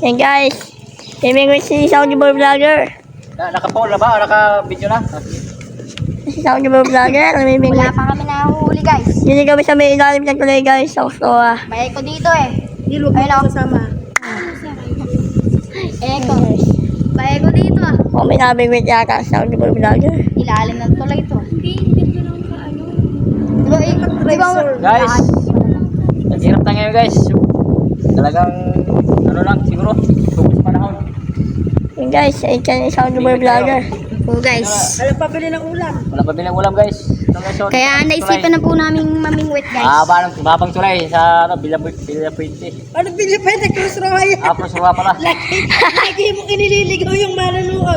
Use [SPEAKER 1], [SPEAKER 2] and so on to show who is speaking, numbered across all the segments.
[SPEAKER 1] Yan guys. Namimingwit si Saudi Boy Vlogger.
[SPEAKER 2] Naka-phone na ba? O naka-video na?
[SPEAKER 1] Si Saudi Boy Vlogger. Namimingwit.
[SPEAKER 3] Wala pa kami nahuhuli guys.
[SPEAKER 1] Hindi kami sa may ilalim ng tulay guys. Sa Ustoa.
[SPEAKER 3] May ko dito eh.
[SPEAKER 4] Nilog mo kasama.
[SPEAKER 3] Eko. May ko dito ah.
[SPEAKER 1] O may namimingwit yata sa Saudi Boy Vlogger.
[SPEAKER 3] Ilalim ng tulay ito. Diba ikot driver?
[SPEAKER 2] Guys, naghirap na ngayon guys. Talagang, ano lang, siguro, focus panahon.
[SPEAKER 1] Yan guys. Ay ni Saudi Boy Vlogger.
[SPEAKER 3] Oo guys.
[SPEAKER 4] Alam pa bili ng ulam.
[SPEAKER 2] Wala pa bilang ulam guys.
[SPEAKER 3] Kaya naisipan na po namin mamingwit guys.
[SPEAKER 2] Mabang tulay sa ano, Villa Puente.
[SPEAKER 4] Ano bili pa yung Cruz Royal?
[SPEAKER 2] Apos ruwa pala.
[SPEAKER 4] Lagi mo kinililigaw yung manonood.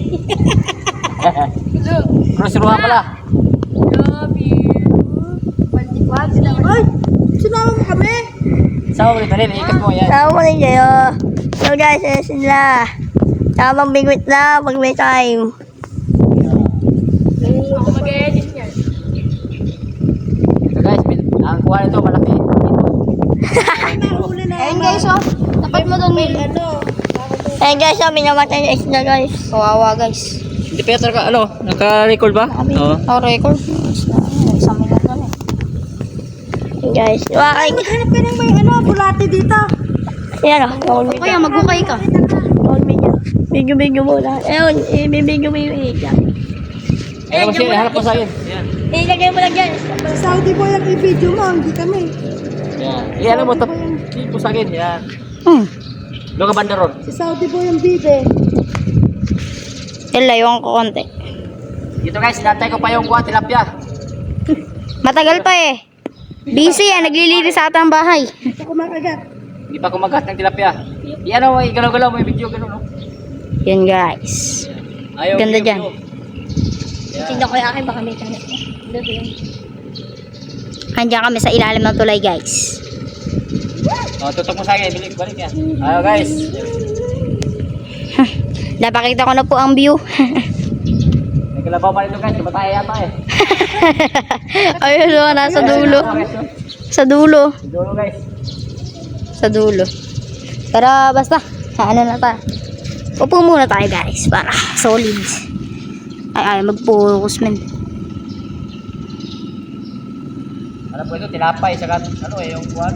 [SPEAKER 2] Cruz ruwa pala.
[SPEAKER 4] Ay, sinama mo kami.
[SPEAKER 2] Sa ulit na rin, ikat mo yan.
[SPEAKER 1] Sama mo rin kayo. So guys, ayan sila. Tamang bingwit na pag may time.
[SPEAKER 2] Ito guys, ang kuha nito malaki.
[SPEAKER 4] Nahuli na.
[SPEAKER 3] Ayun guys oh. Tapat mo doon Mil.
[SPEAKER 4] Ano?
[SPEAKER 1] Ayan guys, minamatay na isda guys.
[SPEAKER 3] Kawawa guys.
[SPEAKER 2] Hindi pa yata ano, naka-record ba? Oo.
[SPEAKER 3] Oh record. Isang minute na eh.
[SPEAKER 1] Ayan guys. Wakay.
[SPEAKER 4] Maghanap ka ng may ano, bulate dito.
[SPEAKER 1] Ayan o.
[SPEAKER 3] O kaya maghukay ka.
[SPEAKER 1] Tawag video. Video muna. Ayun, ibibigyo mo yung iga.
[SPEAKER 2] Ayun mo siya, hanap mo sa akin. Yan.
[SPEAKER 1] Ilagay mo lang dyan.
[SPEAKER 4] Saudi boy ang i-video mo, hindi kami.
[SPEAKER 2] Yan. Iyan mo, tapos po sa akin. Yan. Doon ka banda ron.
[SPEAKER 4] Si Saudi boy ang bibe.
[SPEAKER 3] Ilayong ko konti.
[SPEAKER 2] Dito guys, natay ko pa yung kuha, tilapia.
[SPEAKER 3] Matagal pa eh. Busy eh. Naglilinis sa atang bahay.
[SPEAKER 4] Ito kumakagat.
[SPEAKER 2] Hindi pa kumagat ng tilapia. Iyan o, igalaw-galaw mo yung video, gano'n no?
[SPEAKER 3] Yan guys.
[SPEAKER 2] Ayaw,
[SPEAKER 3] Ganda
[SPEAKER 2] video,
[SPEAKER 3] dyan.
[SPEAKER 2] video. Yan.
[SPEAKER 1] Tingnan ko yung akin, baka may tanong.
[SPEAKER 3] Andiyan kami sa ilalim ng tulay guys.
[SPEAKER 2] O, tutok mo sa akin, balik yan. Ayaw guys.
[SPEAKER 3] Napakita ko na po ang view.
[SPEAKER 2] Nagkalabaw pa nito guys, tumatay yata eh.
[SPEAKER 3] Ayun o, nasa dulo. Sa dulo.
[SPEAKER 2] Dulo guys.
[SPEAKER 3] Sa dulo. Pero basta, ano na tayo. Upo muna tayo guys para solid. Ay, mag-focus men.
[SPEAKER 2] Ano po ito, tinapay, saka ano eh, yung kuha.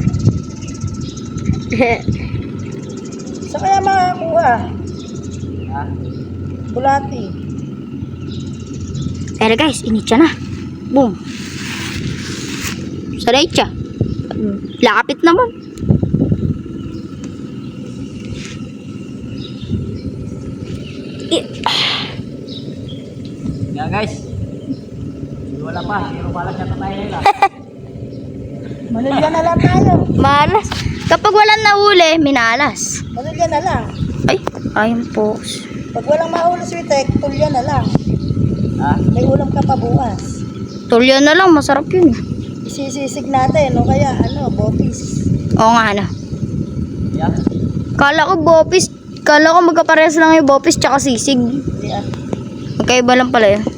[SPEAKER 4] Saan kaya makakuha?
[SPEAKER 2] Ha?
[SPEAKER 4] Bulati.
[SPEAKER 3] Pero guys, initya na. Boom. Sa derecha. Lapit naman.
[SPEAKER 2] Yan guys. Wala pa, pero pala siya tatay nila.
[SPEAKER 4] Manilya na lang tayo.
[SPEAKER 3] Malas. Kapag walang nahuli, minalas.
[SPEAKER 4] Manilya na lang.
[SPEAKER 3] Ay, ayun po.
[SPEAKER 4] Pag walang mahuli switek, tulya na lang.
[SPEAKER 2] Ha?
[SPEAKER 4] May ulam ka pa bukas.
[SPEAKER 3] Tulyo na lang, masarap yun.
[SPEAKER 4] Isisisig natin, o kaya ano, bopis.
[SPEAKER 3] Oo nga na.
[SPEAKER 2] Yan.
[SPEAKER 3] Kala ko bopis. Kala ko magkaparehas lang yung bopis tsaka sisig.
[SPEAKER 4] Hindi ah.
[SPEAKER 3] Magkaiba lang pala yun.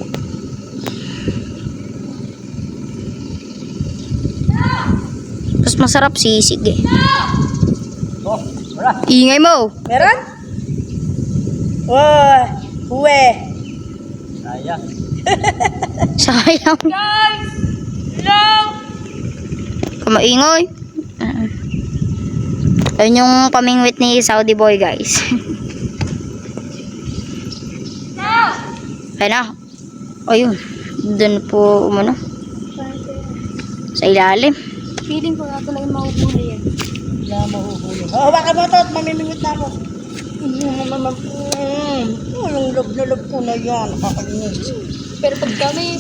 [SPEAKER 3] Mas masarap sisig eh.
[SPEAKER 2] Oh, wala.
[SPEAKER 3] Ingay mo.
[SPEAKER 4] Meron? Oh, huwe.
[SPEAKER 2] Sayang.
[SPEAKER 3] Sayang. Kamaingoy. Ayun yung pamingwit ni Saudi boy guys. Ayun na. Ayun. Doon po umano. Sa ilalim.
[SPEAKER 1] Feeling ko na talaga mahuhuli yan.
[SPEAKER 4] Wala mahuhuli. Oh, baka mo ito at mamimingwit na ako. Anong loob na loob ko na yan. Nakakalinis.
[SPEAKER 1] Pero pag kami,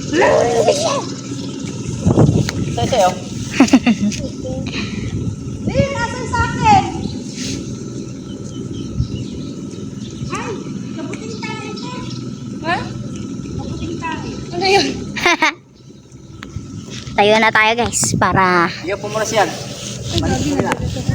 [SPEAKER 2] Say, say, oh.
[SPEAKER 4] Nasaan sa akin? Ay, kabuting tayo ito.
[SPEAKER 1] ha?
[SPEAKER 4] Kabuting tayo.
[SPEAKER 1] Ano yun?
[SPEAKER 3] Tayo na tayo guys para
[SPEAKER 2] Iyo po muna siyan. Balik mo nila.